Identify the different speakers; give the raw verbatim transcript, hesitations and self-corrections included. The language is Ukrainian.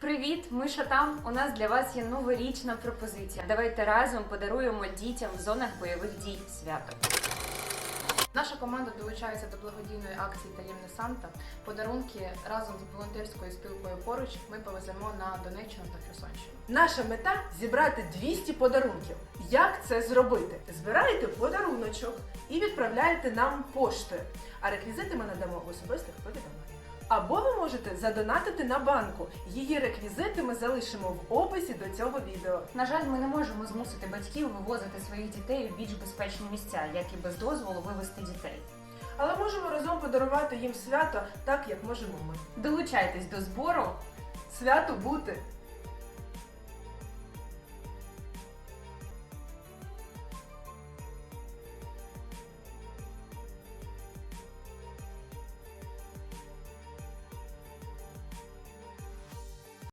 Speaker 1: Привіт, ми Шатам. У нас для вас є новорічна пропозиція. Давайте разом подаруємо дітям в зонах бойових дій свято.
Speaker 2: Наша команда долучається до благодійної акції «Таємний Санта». Подарунки разом з волонтерською спілкою «Поруч» ми повеземо на Донеччину та Херсонщину.
Speaker 3: Наша мета – зібрати двісті подарунків. Як це зробити? Збираєте подаруночок і відправляєте нам поштою, а реквізити ми надамо в особистих повідомленнях. Або ви можете задонатити на банку. Її реквізити ми залишимо в описі до цього відео.
Speaker 1: На жаль, ми не можемо змусити батьків вивозити своїх дітей у більш безпечні місця, як і без дозволу вивезти дітей.
Speaker 3: Але можемо разом подарувати їм свято так, як можемо ми.
Speaker 1: Долучайтесь до збору.
Speaker 3: Свято бути!